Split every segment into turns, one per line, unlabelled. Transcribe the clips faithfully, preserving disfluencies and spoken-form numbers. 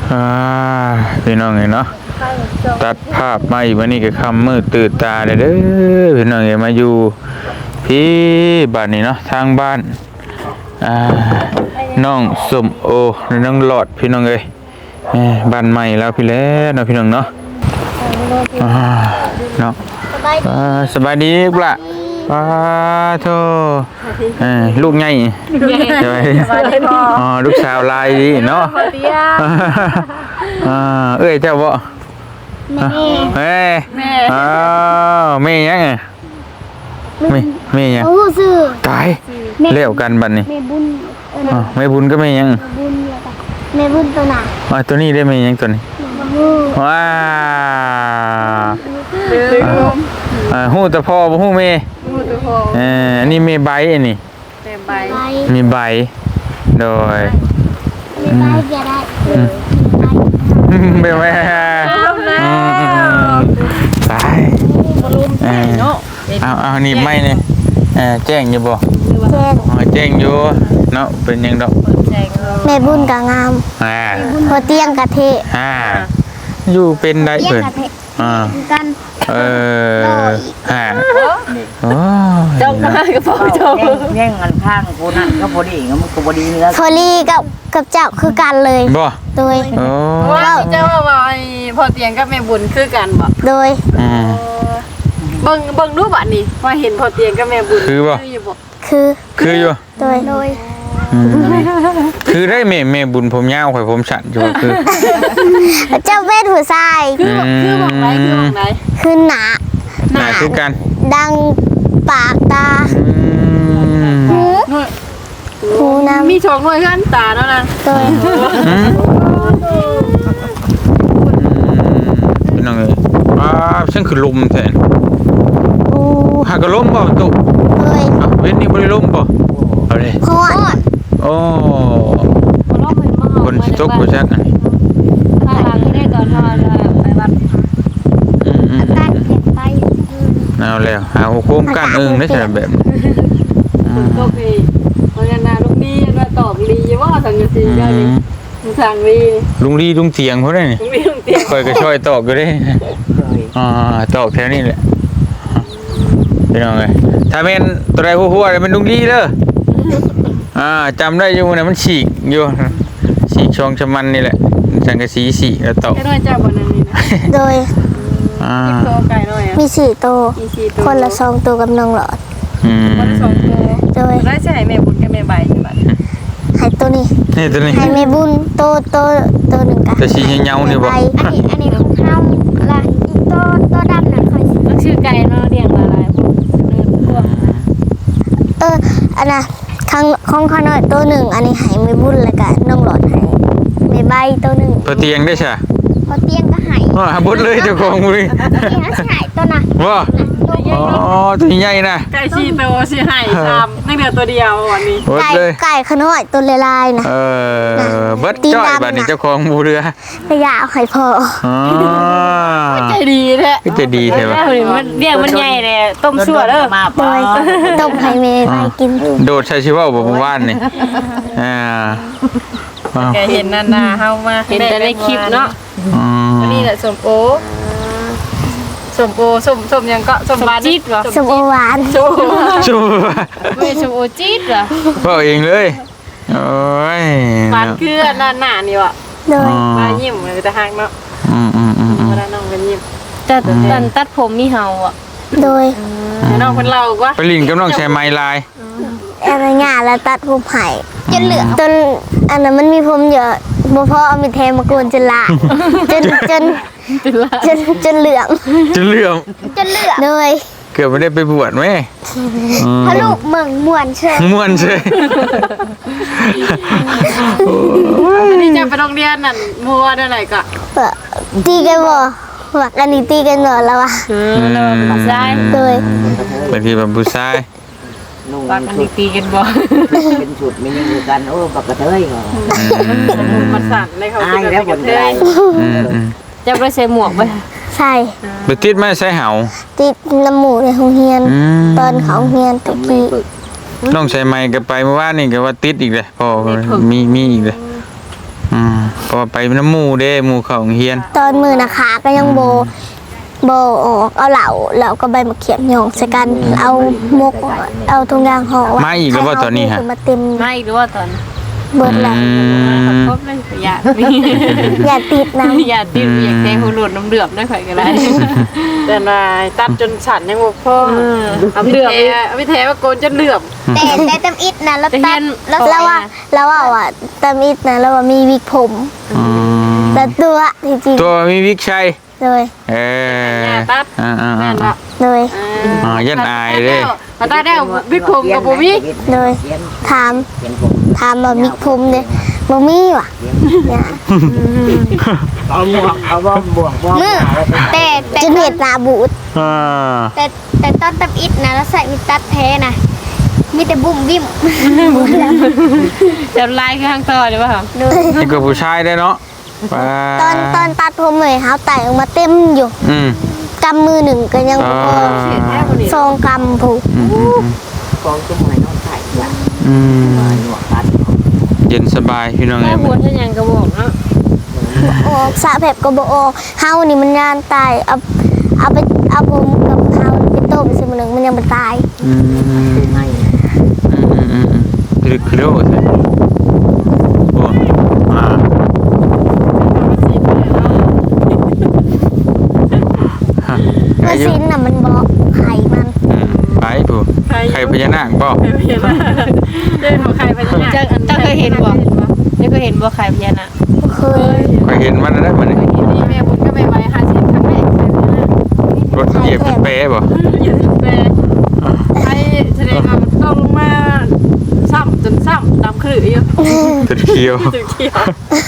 อ่าพี่น้องเห็นเนาะตัดภาพมาอีกวันนี้ก็คำมืดตื่นตาเลยเด้อพี่น้องเห็นมาอยู่พี่บ้านนี้เนาะทางบ้านอ่าน้องสมโอน้องหลอดพี่น้องเอ้ยบ้านใหม่แล้วพี่แล้วเนาะพี่น้องเนาะอ่าเนาะสบายดีปะป้าโธ่ลูกไงสบายดีอ๋อลูกสาวลายดีเนาะเอ้ยเจ้าบ่แม่แม่อ้าวแม่ยังไงแม่แม่ยังตายเลี้ยวกันบัดนี้แม่บุญแม่บุญก็แม่ยัง
แม่บุญตัวหนา
อ๋อตัวนี้ได้แม่ยังตัวนี้ว้าอ่าหู้ตะพอบ่หู้แม่เอออันนี้มีใบอันนี้มีใบโดย
มีใบจะได้
เป็นไหมไปเอาเอานี่ไม่เนี่ยแจ้งอยู่บ่แจ้งอยู่เนาะเป็นยังดอก
แม่บุญกะงามพอเตียงกะเท
อ่าอยู่เป็นได้เพิ่นอ่า
กัน
เออฮะโอ้
จ้องมากับพ่อจ้องแย่งกันข้างกูนั่นก็พอดีก็มันก็พอดีเนื้อ
พอดีกับกับเจ้าคือกันเลย
บ่
โดย
ว่าเจ้าว่าไอ้พอเตียงกับแม่บุญคือกันบ่
โดย
เบิ่งเบิ่งรูปอันนี้ว่าเห็นพอเตียงกับแม่บุญ
คือบ่
คือ
คืออยู่
โดยโดย
คือได้แม่แม่บุญผมยาวข่อยผมสั้นอยู่คือ
เจ้าเวทหัวทราย
คือคือบอกไหนคือบอกไหน
คือหนา
หนาคือกัน
ดังปากตาหูหูน้ำ
มีสองหน่วยขั้นตาเนาะนะ
โดย
พี่น้องเอ้ยอ้าฉันคือลมแทนโอ้หากระลมบ่ตุ
เฮ้ย
เว้นนี่บ่ได้ลมบ่เอาเลย
ฮอด
โอ้คนสิตกบ่จักอันนี้
ถ้าหลังที่ได้ตอนเฮาไปวัด
อืม
ๆตัดเก็บไป
เอาแล้วหาโคมกันอึ้งได้ใช่แบบ
ตกอีเพราะงั้นน่ะลุงดีว่าตอบดีว่าสังกะสีได้นี่สั่งดี
ลุงดีลุงเตียงเขาได้นี่
ลุงดีลุงเตียง
ค่อยก็ช่วยตอกอยู่เด้อ่าตอกแถวนี้แหละพี่น้องเอ้ยถ้าแม่นตัวใดหัวๆมันลุงดีเด้ออ่าจำได้อยู่นะมันฉีกอยู่ฉีกช่องชะมันนี่แหละสังกะสีสีแล้วตอก
แค่น้อยเจ้าบ่นั่นนี่นะ
โดย
อ่า
โตไก่น้อยอ่ะ
มีสี่โตคนละสองตัวกับน้องหลอด
อืม
คนละสองตัว
โดย
ได้ใช่แม่บุญกับแม่ใบใช่บัด
ให้ตัวนี้
นี่ตัวนี้
ให้แม่บุญโตโตโตหนึ่งกัน
แต่สีเงาๆนี่บ่
อันนี้อันนี้ของเฮาละอีโตโตดำนั่นค่อย
มันชื่อไก่เนาะเรียงละลายพวกเนื้อพวก
เอออันน่ะข้างของข้าน้อยตัวหนึ่งอันนี้ให้แม่บุญแล้วก็น้องหลอดให้แม่ใบตัวหนึ่ง
พอเตียงได้ใช่
พอเตียงก็ให้
อ๋อบุญเลยเจ้าของมือ
นี่นะใช่ตัวน่ะ
ว่าอ๋อตัวใหญ่นะ
ไก่ชีโตชีไห่ตามนั่งเดียวตัวเดียววันนี้
ไก่ไก่ขน้อยตัวลายๆนะ
เออเบิดจ้อยบัดนี้เจ้าของบูเรือ
ระยะเอาไข่พอ
อ๋อ
ใจดีแท้
ใจดีแท้ว่ะ
มันเรียกมันใหญ่เลยต้มชั่วเด้อมา
โดยต้มไข่เมย์ไปกิน
โดดใช้ชีวะบ่เมื่อวานนี่อ่า
แกเห็นนานาเฮามาเห็นแต่ในคลิปเนาะอันนี้แหละสมโอสมโอสมสมยังก็สมหวานจี๊ดเหรอ
สมโอหวาน
ชูชู
ไม่สมโอจี๊ดเหรอ
พ่อเองเลยโอ้ย
หวานเกลือหน้าหน้านี่วะ
โดย
มายิ้มเลยแต่หักเนาะ
อืมอืมอืม
เวลาน้องเป็นยิ้มแต่ตันตัดผมมีเห่าอ่ะ
โดย
น้องเป็นเรากว่า
ไปลิงกับน้องใช้ไม้ลาย
อะไรเงี้ยแล้วตัดผมไผ่จนเหลืองจนอันนั้นมันมีผมเยอะบ่พอเอามีเทมาโกนจนละจนจนจนจนเหลือง
จนเหลือง
จนเหลืองเลย
เกือบไม่ได้ไปบวชไหม
พระลูกเมืองม่วนเชย
ม่วนเชย
อันนี้จะไปโรงเรียนนั่นมัวได้ไหนก็
ตีกันบ่ว่ากันนี่ตีกันหน่อยแล้ววะ
เออแล้วผู้ชาย
โดย
บางทีแบบผู้ชาย
ปากกันนี่ตีกันบ่
เป็นชุดไม่ยังอยู่กันโอ้ปักกระเทยเหรอ
มันสั่นเลยเขาเป็นแบบกระเทยจะไปใส่หมวกไป
ใช่
ไปติดไหมใส่เหา
ติดน้ำหมูในห้องเรียนตอนเขาเรียนตะกี้
น้องใส่ไม้กับไปเมื่อวานนี่ก็ว่าติดอีกเลยพอมีมีอีกเลยอืมเพราะว่าไปน้ำหมู่เด้หมู่เขาโรงเรียน
ตอนมือนะคะก็ยังโบโบออกเอาเหล่าแล้วก็ใบมะเขียบหยองใส่กันเอามกเอาทุงยางห่อไว้
มาอีกแล้วบ่ตอนนี้ฮะ
ให้เขามาเต็ม
ไม่หรือว่าตอน
เบิดแล้ว
อืม
ครบเลยอย่า
อย่าติดน้ำ
อย่าติดอยากแทงหูหลุดน้ำเดือบได้ข่อยก็ได้
แต่ว่าตัดจนสั่นยังบ่พอ
เอาไปแทเอาไปแทว่าโกนจนเหลือบ
แต่แต่ตำอิดนะแล้ว
แต่เห็
ตัด
น
แล้วแล้วว่าแล้วว่าอ่ะตำอิดนะแล้วว่ามีวิกผม
อืม
แต่ตัวจริง
ตัวมีวิกชัย
ๆเลย
เออ
อย่าตัด
อ่าอ่า
แม่น
อ่า
บ่
เลย
อ่ายันอายเด้
มาตัดได้วิกผมกับบ่มี
เลยถาม
เขียนผม
ถามว่ามีผมเนี่ยบ่มีว่ะเนี่ย
เอาหมวกเอาบ่บวกบ่
มือแต่แต่เห็ดหนาบูด
อ่า
แต่แต่ตอนตับอิดนะแล้วใส่มีตัดแท้นะมีแต่บุ่มบิ่ม
จะลายคือทางต่อหรือเปล่า
เลย
นี่ก็ผู้ชายได้เนาะว้า
ตอนตอนตัดผมเลยเฮาไต่ออกมาเต็มอยู่
อืม
กำมือหนึ่งก็ยังบ่พอ
อ่า
ซองกำผูก
อืมอืม
กองจุ่มให้น้องใส่ละ
อืม
มาหนวดตัด
เย็นสบายพี่น้อง
แม่
เอ้ย
บัวท่านยังกระบอกเนาะ
ออกสระแผบก็บ่ออกเฮานี่มันยานตายเอาเอาไปเอาผมกับเฮาไปต้มสิมื้อหนึงมันยังบ่ตาย
อืมอืม
คือไม่
อืมอืมคือคือโลดเลยโอ้อ่าฮะ
เมื่อสิ้นน่ะมันบอกไข่มัน
อืมไปผู้ใครพญานาคบ่
เดินของใครไปเนี่ยจะจะเคยเห็นบ่จะเคยเห็นบ่ใครพญานาค
บ่เคย
ก็เห็นมันแล้วมัน
นี่แม่บุญก็ไม่ไหวหาสิครั้งแรก
รถเหยียบเป็นเป๊ะบ่
อยู่ที่แปรใครแสดงว่ามันต้องลงมาซ้ำจนซ้ำตามคลื่นอยู่
จุดเขียว
จุดเขียว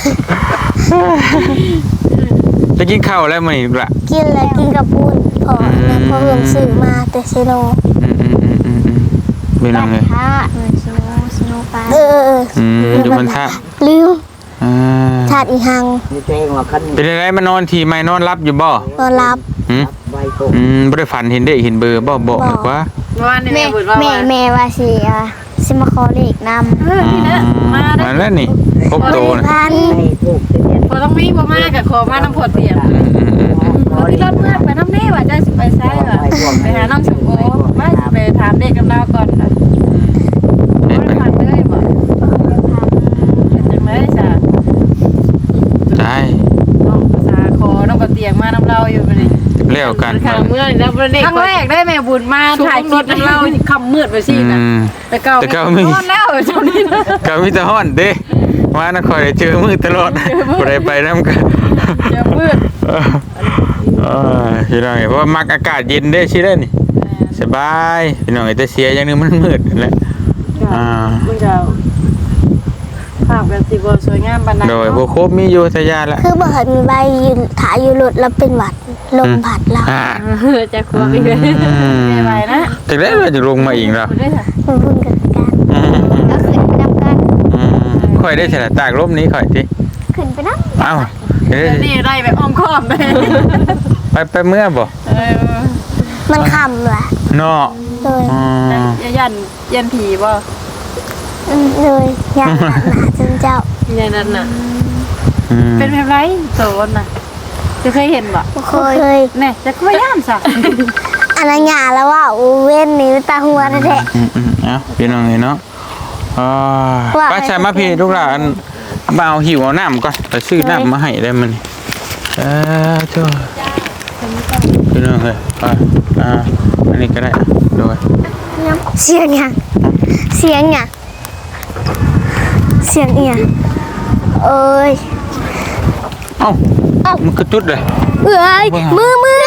จะกินข้าวแล้วมันอีกละ
กินแล้วกินกับปุ้นพอแล้วพอเริ่มซื้อมาแต่ซิโน
อืมอืมอืมอืมอืมเป็นยังไง
ค่ะซิโนซิโนปลาเออ
อืมอยู่บนท่า
ลืม
อ่า
ชาติอีหัง
นี่เพลงว่าคัน
เป็นอะไรมานอนทีไม่นอนรับอยู่บ่
นอนรับ
หืม
ใบโกง
อืมบ่ได้ฝันเห็นเด้เห็นเบอร์บ่บอกหน่อยว่า
เมื่อวานนี่
แม่
แม่บุญว่า
แม่แม่ว่าสิอ่ะสิมาขอเลขนำ
เออนี่นะมาได้
มาแล้วนี่พบโตนะ
พัน
ให้ถูกทะเบียน
พอต้องมีบ่มากกับขอมาน้ำผดเตียง
อืมอืมอืมอืม
ที่รถเมื่อไปน้ำแม่ว่าจะสิไปใช่ป่ะไปหาน้องสมโอมาไปถามเด็กกับเราก่อนนะ
เห็น
ไม่
ไหม
ผ่านเลยบ่จังเลยจ้ะ
ได้
น้องภาษาคอน้องกระเตียงมาน้ำเราอยู่ไปเลย
แล้วกัน
ครั้งเมื่อแล้วเด็กครั้งแรกได้แม่บุญมาถ่ายคลิปน้ำเราคำมืดไปสิ
อื
นะ
ม
แต่เก่าโอนแล้วเจ้านี่นะ
ก็มีแต่ฮ้อนเด้มานะคอยได้เจอมือตลอดบ่ได้ไปนำกัน
เจอมืด
เออพี่น้องเพราะว่ามักอากาศเย็นเด้สิได้นี่สบายพี่น้องแต่เสียอย่างหนึงมันมืดนั่นแหละอ่า
มึงจะภาพกันสิบ่สวยงามปานนั้น
โดยบ่ครบมีอยู่ทยาละ
คือบ่เห็นมีใบยืนถ่ายอยู่รถแล้วเป็นหวัดลมพัดเรา
อ่า
จะครัวไปเลยไม่ไหวนะ
จากนั้นเราจะลงมาอีกแล้ว
คุณได้ค่ะ
มันพุ่นกันกัน
อืม
ก็ขึ้นไปนำกัน
อืมค่อยได้ฉลาดตากลมนี้ค่อยติ
ขึ้นไปนำ
เอ้าเดี๋ยว
นี่ได้แบบอ้อมค้อมไป
ไปไปเมื่อบ่
เออ
มันคำล่ะ
เนาะ
เลย
อืม
ยันยันผีบ่
อืมเลยอยากหนาหนาจนเจ้า
ยันนั่นน่ะ
อืม
เป็นแบบไรโซนน่ะจะเคยเห็นบ่
บ่เคยเคย
แน่จะก็ย่านซะ
อันนั้นหยาแล้วว่าอูเว้นนี่ตาหัวแท้
อืมอืมเอ้าพี่น้องเนาะอ่า
ว่า
ไปใส่มาพี่ลูกหลานมาเอาหิวเอาน้ำก่อนไปซื้อน้ำมาให้ได้มันนี่เออเจ้าพี่น้องเอ้ยอ่าอ่าอันนี้ก็ได้อ่ะโดย
ๆเสียงหยังเสียงหยังเสียงเอียงเอ้ย
เอ้ามันก็จุดเลย
เอ้ยมือมือ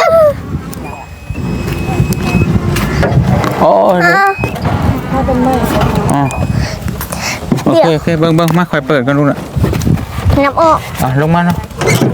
โอ้ย
อ้าว
อ๋อโอเคโอเคเบิ่งเบิ่งมาค่อยเปิดกันดูน่ะ
น้ำออก
อ่ะลงมาเนาะ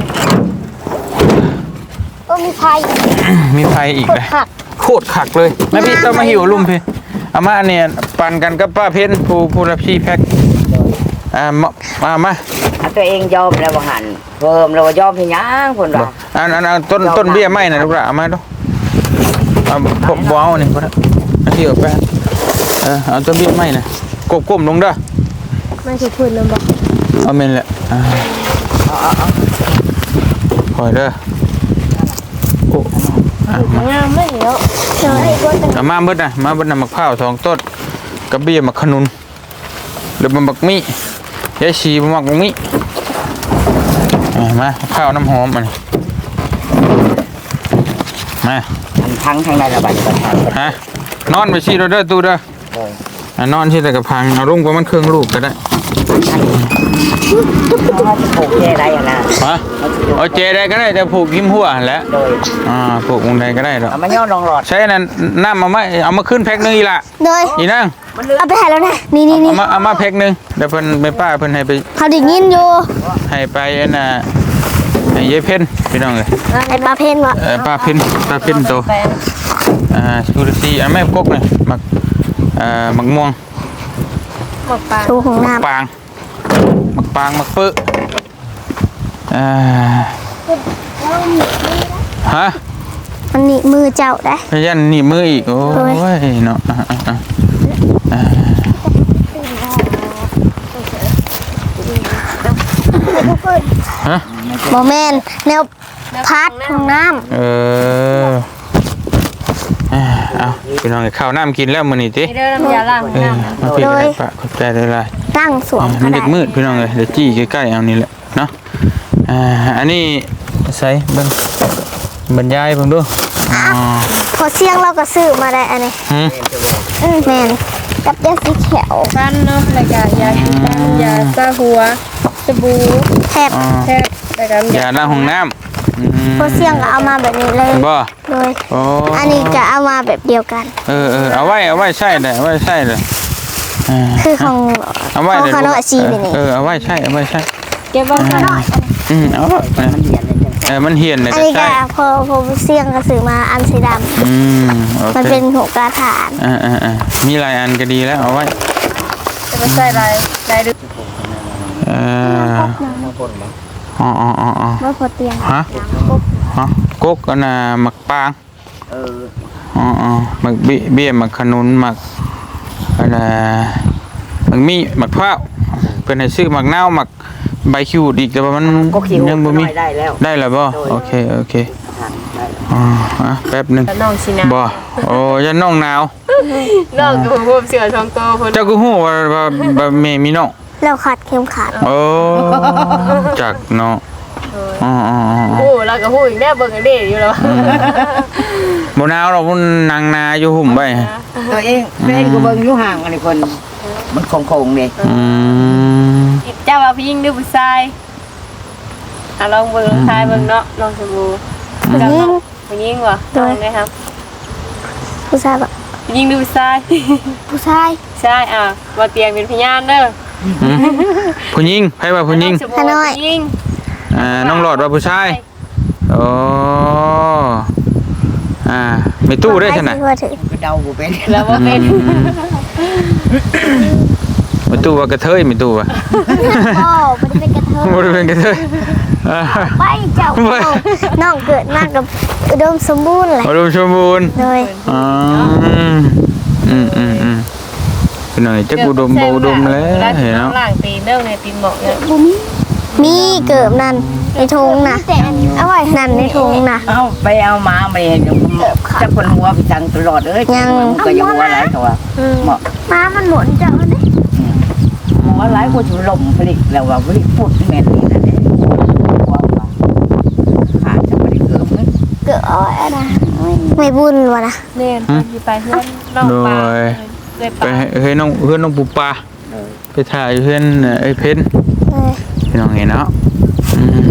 ก็มีไฟ
มีไฟอีกเลย
ผัก
โคตรขักเลยแม่พี่ต้องมาหิวลุ่มพี่เอามาอันเนี่ยปั่นกันกับป้าเพ็ญผู้ผู้รับชีแพ็คอ่ามามามา
เอาตัวเองยอมแล้วว่าหันเพิ่มแล้วว่ายอมให้ยังคนว่า
อันอันอันต้นต้นเบี้ยไม้น่ะลูกหลานเอามาดูเอาบ่บ่เอานี่บ่ได้อันที่เอาไปเออเอาต้นเบี้ยไม้น่ะก้มๆลงเด้อ
มันจะพูดแล้วบอก
เอาแม่นแหละอ่าคอยเด้อโอ้อ่ะมาง
ามไม่เนาะ
เดี๋ยวให้คน
เอามาเบิดนะมาเบิดนะมะพร้าวสองต้นกระเบี้ยมะขนุนหรือมะบักมี่ยายชีมะบักมี่อ่ะมาข้าวน้ำหอมมันมา
มันทั้งทางในระบายประทาน
ฮะนอนไปชีเราเด้อตู้เด้ออ่ะนอนที่แต่กระพังเอารุ่งประมาณเครื่องลูกก็ได้
เขาจะปลูกแค่ไรอะนะ
ฮะเอาเจได้ก็ได้แต่ผูกหิมหัวหั่นแหล้ว
โดย
อ่าผูกวงใดก็ได้หรอก
เอามาย่อลองหลอด
ใช้อันนั้นน้ำมาไหมเอามาขึ้นแพ็คหนึงอีละ
โดย
อีนั่ง
เอาไปให้แล้วนะนี่นี่นี่
เอามาเอามาแพ็คหนึงเดี๋ยวเพิ่นไปป้าเพิ่นให้ไป
เขาได้ยินอยู่
ให้ไปอันน่ะให้ยายเพ่นพี่น้องเลย
ไอ้ปลาเพนวะ
เออป้าเพ่นป้าเพ่นโตอ่าชูรซีอันแม่กกเลยหมักอ่าหมักม่วง
หมกปลา
ชูของ
หมัก
น้ำ
ปางหมักปางหมักปื้ออ่าฮะ
มันนี่มือเจ้าได้
พยันหนีบมืออีกโอ้ยเนาะอ่ะอ่ะอ่ะอ่าฮะ
โมเมนแนวพัดของน้
เอออ่าเอาพี่น้องข้าวน้ำกินแล้วมื้อนี้ติ
นี่เด้อน้ำยาล้าง
เออ
น้ำ
มาพี่ก็ได้ปะขอบใจได้หลาย
ำตั้งสวม
มั
ก็
น
ได้
เด็กมืดพี่น้องเลยเดี๋ยวจี้ใกล้ๆเอานี่แหละเนาะอ่าอันนี้ใส่เบิ่งบรรยายเบิ่งดูอ๋อ
พอเสียงเราก็ซื้อมาได้อันนี้
หืม
อืมแมนกับยาสีเขียว
ปั้นเนาะแล้วก็ยาสีฟันยาซาหัวสบู่
แทบ
อ๋อ
แทบแล้วก็
ยาล้างห้องน้ำอืม
พอเสียงก็เอามาแบบนี้เลย
บ่
โดย
โอ้
อันนี้ก็เอามาแบบเดียวกัน
เออเออเอาไว้เอาไว้ใช่เลยเอาไว้ใช่เลยอ่า
คือของ
เอาไว้
ของ
เลย
คาโนอาชีนี่นี่
เออเอาไว้ใช่เอาไว้ใช่
เก็บไว้ข้างนอก
อืมเอาเถอะเออมันเหียนเลย
อัน
ก็
นี้ก็
ใช่
พอพอเสียงก็ซื้อมาอันสีด
อืมโอ
ำมัน
เค
เป็นหัวกระถาน
อ่าอ่าอ่ามีหลายอันก็ดีแล้วเอาไว้
จะไปใส่ลายลายดึก
เอออ๋ออ๋ออ๋ออ๋อ
ว่าพอเตียง
ฮะฮะกกอันน่ะหมักปาง
เออ
อ๋ออ๋อหมักเบี้ยเบี้ยหมักขนุนหมักอันน่ะหมักมีหมักพร้าวเพิ่นให้ซื้อหมักนาวหมักใบคิวอีกแต่ว่ามัน
ก็คิว
ยังบ่มี
ได้แล้ว
ได้แล้วบ่โอเคโอเคอ๋ออ่ะแป๊บหนึง
แล้วน้องสินะ
บ่โอ้ยันน้องหนาว
น้องกับผมเสือทองโตเพิ่น
เจ้าก็ฮู้ว่าว่าว่าแม่มีน้อง
แล้วขัดเข็มขัด
โอ้จักเนาะอ๋ออ๋ออ๋อ
โอ้แล้วก็ฮู้อีกแน่เบิ่งกันเด้อยู่แล้ว
บ่หนาวหรอกมันนางนาอยู่หุ่มไว้
ตัวเองตัวเองก็เบิ่งอยู่ห่างอันนี้คนมันโค้งๆนี่
อืม
เจ้าว่าผู้หญิงหรือผู้ชายอ่ะลองเบิ่งทายเบิ่งเนาะลองสบู่
ผู้หญิง
ผู้หญิงวะลองได้ครับ
ผู้ชายแบบ
ผู้หญิงหรือผู้ชาย
ผู้ชาย
ใช่อ่ะบ่เตียงเป็นพยานเด้อ
อืมผู้หญิงไผว่าผู้หญิง
สบู่ว่าผู้หญิง
อ่าน้องหลอดว่าผู้ชายโอ้อ่าไม่ตู้ได้ขนาด
ใครสิว่าถึง
ก็เดาบ่เป็น
แล้วบ่เป็น
ไม่ตู้ว่ากระเทยไม่ตู้ว่า
พ่อไม่ได้เป็นกระเทย
บ่ได้เป็นกระเทยอ่า
ไปเจ้า
ไป
น้องเกิดมากับอุดมสมบูรณ์เลย
อุดมสมบูรณ์
โดย
อ๋ออืมอืมอืมเป็นหน่อยจักอุดมบ่อุดมแล้วเห็น
เนาะ
เนาะ
ล่างตีนเด้อในตีนหมอกเนี่ย
มีเกิดนั่นในถุงน่ะเอาไว้นั่นในถุงน่ะ
เอาไปเอามาไปเห็นจะคนหัวไปจังตลอดเอ้ย
ยัง
มันก็ยังหัวหลายตัวเหมาะ
ม้ามันหมุนเจ้าเด้
หัวหลายกว่าชุลมผลิตแล้วว่าผลิตพูดแม่นนี่นั่นเองหัวว่าขาดจะไม่ได้เกิดมั้ย
เกิดเอาไว้นะไม่บุญวะนะ
แม่นสิไปเพื่อนน้องปลาเลย
ไป
ปลา
ให้เฮ้ยน้องเพื่อนน้องปูปลาไปถ่ายเพื่อนเอ้ยเพ้น
เออ
พี่น้องเห็นเนาะอืม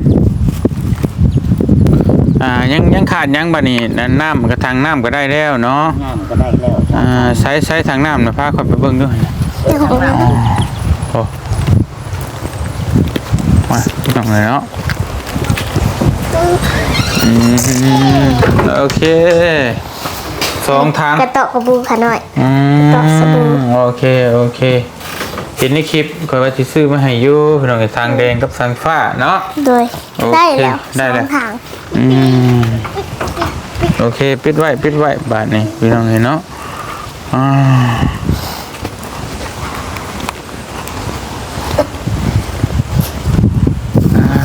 อ่ายังยังขาดยังบัดนี้นั่นน้ำกระทางน้ำก็ได้แล้วเนาะ
งามก็ได้แล้ว
อ่าใช้ใช้ทางน้ำนะพาเขาไปเบิ่งด้วย
เจ้าของ
โอ้มาพี่น้องเลยเนาะอืมโอเคสองทาง
กระโตะกระบูขาหน่อย
อื
ต่อสบู่
มโอเคโอเคเห็นในคลิปคอยว่าที่ซื้อมาให้อยู่พี่น้องทางแดงกับทางฟ้าเนาะ
โดย
โอเค
ได้แล้ว
ได้
ส
แล้
อ
ว
งทาง
อืมโอเคปิดไว้ปิดไว้บาทนี้พี่น้องเห็นเนาะอ่าอ่า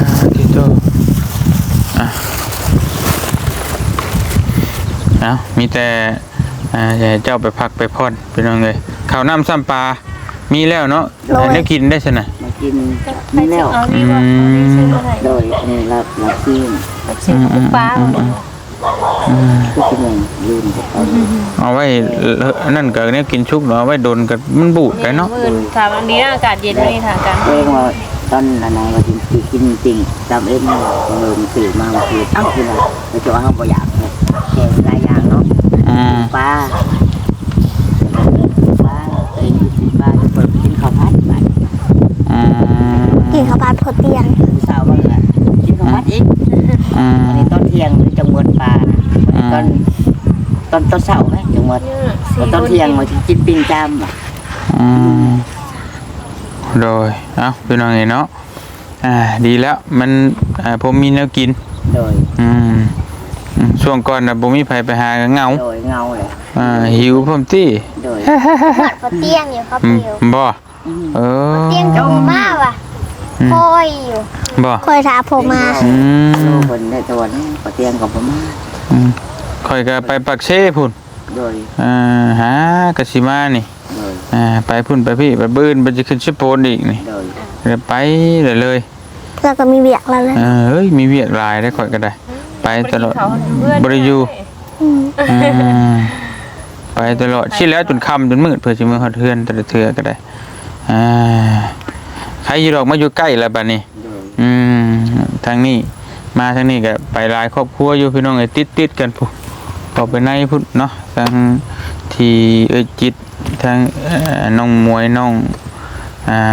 เอามีแต่อ่าอย่าให้เจ้าไปพักไปพอนพี่น้องเลยข้าวน้ำซ้ำปลามีแล้วเนาะอันนี้กินได้ใช่ไหม
มากินนี่แล้ว
เอานี่บ่นี่ซื้อมาให้
โดยอันนี้รับรับซีน
ซื้อปุ๊บป้า
ทุกชั่วโมงยืนกับเขา
เอาไว้นั่นก็เนี่ยกินชุกเนาะเอาไว้โดนกับมันบูดไปเนาะ
มื้อถามอันนี้อากาศเย็นนี่ถามกัน
เองว่าตอนอันไหนว่าจริงกินจริงจำเองว่าเงินสื่อมาคือเอ้าคืออะไรเราจะว่าเขาบ่อยากเลยแค่หลายอย่างเนาะ
อืม
ปลาปลาเองกินปลาจะเปิดกินข้าวผัดไป
อืม
กินข้าวผัดพอเตียง
สาวบ้างละกินข้าวผัดอีก
อืม
อันนี้ตอนเที่ยงหรือจังหวัดปลาตอนตอนตอนเช้าไหมจังหวัดตอนเที่ยงมากินปิ้งจามอ่ะ
อืมโดยเอ้าพี่น้องเห็นเนาะอ่าดีแล้วมันอ่าผมมีแนวกิน
โดย
อืมอืมช่วงก่อนน่ะบ่มีไผไปหาก็เหงา
โดยเงาเลย
อ่าหิวพร้อมตี้
โดย
พอเตียงอยู่ครับ
อืม
เดียว
บ่เออ
เตียงโตมากว่ะคอยอยู่
บ่
คอยถาผมมา
อืม
โลคนได้ตัวนี้ปะเตียงกับผมมา
อืมข่อยก็ไปปักเช่พุ่น
โดย
อ่าหากะสิมานี่
โดย
อ่าไปพุ่นไปพี่ไปบื้นไปจะขึ้นชิโปนอีกนี่
โดย
เดี๋ยวไปเลยเลย
แล้วก็มีเบียกแล้วเลย
เออเฮ้ยมีเวียกหลายได้ข่อยก็ได้ ไปตลอดบริยูอืมไปตลอดชิแล้วจนค่ำจนมืดเพื่อจะมือฮอดเทือนแต่ละเทือก็ได้อ่าใครอยู่ดอกมาอยู่ใกล้แล้วบัดนี้
โดย
อืมทางนี้มาทางนี้ก็ไปหลายครอบครัวอยู่พี่น้องไอ้ติดติดๆกันพุ่นต่อไปในพุ่นเนาะทางที่เอ้ยจิตทางเอ่อน้องมวยน้องอ่า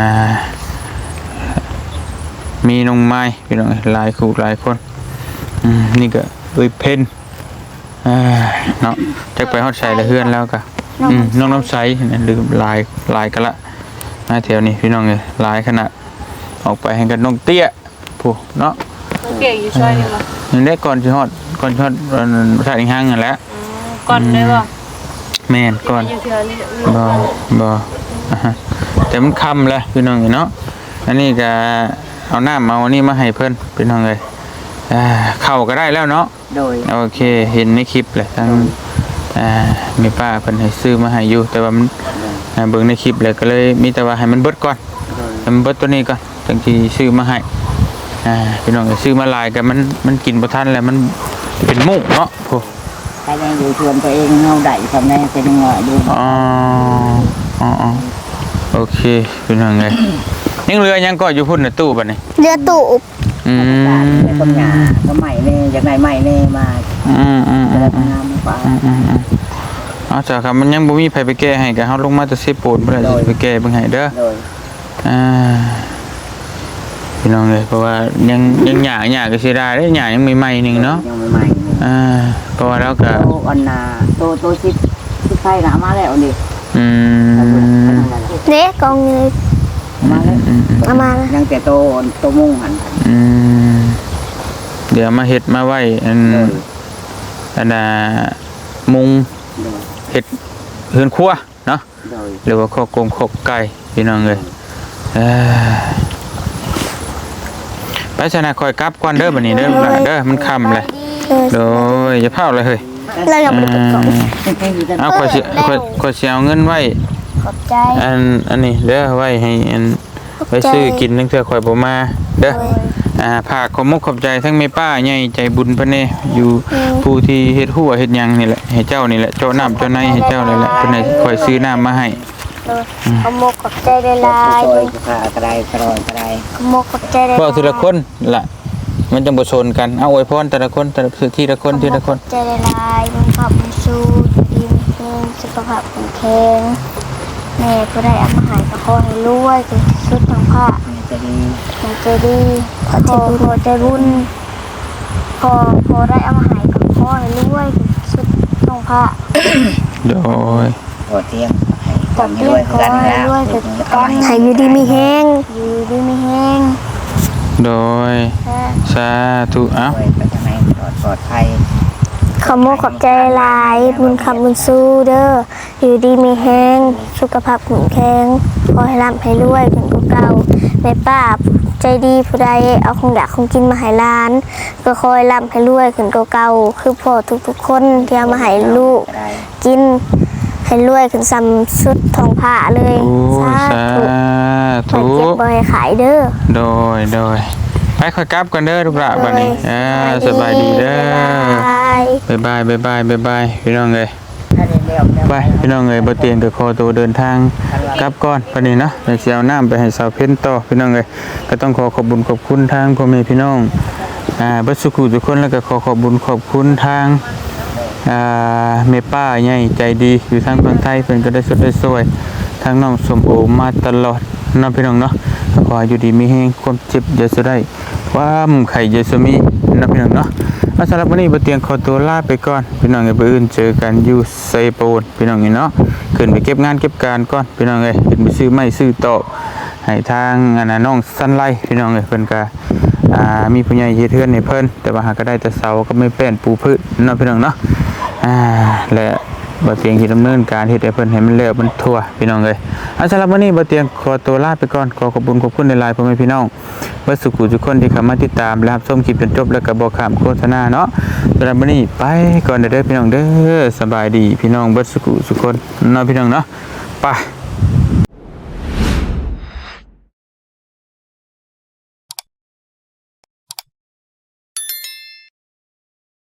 มีน้องไม้พี่น้องหลายคู่หลายคนอืมนี่ก็เอ้ยเพนอ่าเนาะจักไปฮอดใส่ละเฮือนแล้วก็อืมน้องน้ำใสนะลืมลายลายกันละมาแถวนี้พี่น้องเอ้ยลายขนาดออกไปให้กันน้องเตี้ยผู้เนาะ
เปียกอยู่ช่วยนี่บ่
นี่ได้ก่อนสิฮอดก่อนสิฮอดอันชาติห้างนั่นแหละ
ก่อนได้บ่
แม่นก่อน
อยู่เทื่อนี่
บ่บ่อ่าฮะแต่มันค่ำแล้วพี่น้องเอ้ยเนาะอันนี้ก็เอาน้ำเอาอันนี้มาให้เพิ่นพี่น้องเอ้ยอ่าเข้าก็ได้แล้วเนาะ
โดย
โอเคเห็นในคลิปแหละทั้งอ่ามีป้าเพิ่นให้ซื้อมาให้อยู่แต่ว่ามันอ่าเบิ่งในคลิปเลยก็เลยมีแต่ว่าให้มันเบิดก่อน
โดย
ให้มันเบิดตัวนี้ก่อนจังที่ซื้อมาให้อ่าพี่น้องก็ซื้อมาหลายกันมันมันกินบ่ทันแล้วมันเป็นมุกเนาะโอ้
ใครได้อยู่ชวนตัวเองเงาได้ทำได้เป็นเงาดู
อ๋ออ๋ออ๋อโอเคพี่น้องเอ้ยยังเหลือยังก็อยู่พุ่นน่ะตู้บัดนี้
เรือตูบ
อืม
ในต้นหญ้าก็ใหม่เน่จากไหนใหม่เน่มา
อืมอืมอื
แล้ว
ม
งามกว่า
อืมอืมอืมเอาจ้ะครับมันยังบ่มีไผไปแก้ให้ก็เฮาลงมาแต่สิโปรดบ่ได้สิไปแก้เบิ่งให้เด้อ
โดย
อ่าพี่น้องเลยเพราะว่ายังยังหยาหยาก็เสียดายได้หยายังใหม่ๆหนึงเนาะ
ยังใหม่
อ่าเพราะว่าเราก็
โตอันนาโตโตชิดชิดไฟหนามาแล้วดิ
อืม
เด็กกองเงิน
มาแล้ว
อืม
เอามาแล้ว
ยังแต่โตโตมุ่งหัน
อืมเดี๋ยวมาเฮ็ดมาไว้อัน
โดย
อันน่ะมุง
โดย
เฮ็ดเฮือนครัวเนาะ
โดย
หรือว่าข้อกงข้อไก่พี่น้องเลยเอ้ยไปชนะคอยกลับก่อนเด้อบัดนี้เด้อหลานเด้อมันค่ำเลย
เออ
โดยอย่าเผาเลยเฮ้ย
เรายังไม่ได้กดกล่อง
เอาขอสิขอขอสิเอาเงินไว้
ขอบใจ
อันอันนี้เด้อไว้ให้อันไว้ซื้อกินตั้งแต่ข่อยบ่มาเด้ออ่าภาคขอมกขอบใจทั้งแม่ป้าใหญ่ใจบุญเพิ่นแน่อยู่ผู้ที่เฮ็ดหัวเฮ็ดหยังนี่แหละให้เจ้านี่แหละเจ้าน้ำเจ้าในให้เจ้านี่แหละเพิ่นให้ข่อยซื้อน้ำมาให้
ขโมกขอบใจได้ลาย
ซอยกระกระไดกระรอยกระได
ขโมกขอบใจได้
เว้าทีละคนล่ะมันจังบ่ชนกันเอาอวยพรแต่ละคนแต่ละทีละคนทีละคน
ขอบใจได้ลายมันขับมันสู้ดีมันเองสุขภาพแข็งแรงแม่ผู้ได้เอามาใหายก็ขอให้รวยจนที่สุดทางภาค
จะดี
มันใจดีพอใจบุญพอใจบุญพอพอได้เอามาใหายก็ขอให้รวยจนที่สุดทางภาค
โดย
โอเตียง
จับเลี้ยงขอให้รวยจนกันให้อยู่ดีมีแห้งอยู่ดีมีแห้ง
โดย
แค่
สาธุเอ้า
ไปไปทางไหนปลอดปลอดภัย
ขโมกขอบใจหลายบุญคำบุญสู้เด้ออยู่ดีมีแห้งสุขภาพแข็งแรงขอให้ร่ำให้รวยขึ้นกว่าเก่าแม่ป้าใจดีผู้ใดเอาของอยากของกินมาให้หลาน ก็คอยร่ำให้รวยขึ้นกว่าเก่าคือพ่อทุกๆคนที่เอามาให้ลูกกินให้รวยขึ้นซ้ำชุดทองผ้าเลย
โอ้ยสา
ธุ
ธุ
เก็บบ่ให้ขายเด้อ
โดยโดยไปค่อยกลับกันเด้อทุกละบัดนี้อ่าสบายดีเด้อ
บ๊ายบาย
บ๊ายบายบ๊ายบายบ๊ายบายพี่น้องเอ้ย
ถ้าได้แล้วแล้ว
ไปพี่น้องเอ้ยบ่เตียงก็ขอตัวเดินทางกลับก่อนบัดนี้เนาะเดี๋ยวสิเอาน้ำไปให้สาวเพ็ญต่อพี่น้องเอ้ยก็ต้องขอขอบคุญขอบคุณทางพ่อแม่พี่น้องอ่าเบิดสุขุทุกคนแล้วก็ขอขอบคุญขอบคุณทางอ่าแม่ป้าใหญ่ใจดีอยู่ทางฝั่งไทยเพิ่นก็ได้สดได้สวยทางน้องสมโอมาตลอดเนาะพี่น้องเนาะก็ขอให้อยู่ดีมีแฮงความเจ็บอย่าสะได้ความไข้อย่าสะมีเนาะพี่น้องเนาะสำหรับวันนี้บ่เตียงขอตัวลาไปก่อนพี่น้องเอ้ยมื้ออื่นเจอกันอยู่ไซโปนพี่น้องเอ้ยเนาะขึ้นไปเก็บงานเก็บการก่อนพี่น้องเอ้ยขึ้นไปซื้อไม้ซื้อโต๊ะให้ทางอันน่ะน้องสันไลพี่น้องเอ้ยเพิ่นก็อ่ามีผู้ใหญ่เฮ็ดเฮือนให้เพิ่นแต่ว่าหาก็ได้แต่เสาก็ไม่แป้นปูพื้นเนาะพี่น้องเนาะอ่าและบ่เตียงที่ดำเนินการเฮ็ดให้เพิ่นให้มันแล้วมันทั่วพี่น้องเอ้ยอ่ะสำหรับวันนี้บ่เตียงขอตัวลาไปก่อนขอขอบคุณขอบคุณหลายๆพ่อแม่พี่น้องเบิดสุขุทุกคนที่เข้ามาติดตามและรับชมคลิปจนจบแล้วก็บ่ข้ามโฆษณาเนาะสำหรับวันนี้ไปก่อนเด้อพี่น้องเด้อสบายดีพี่น้องเบิดสุขุทุกคนเนาะพี่น้องเนาะไป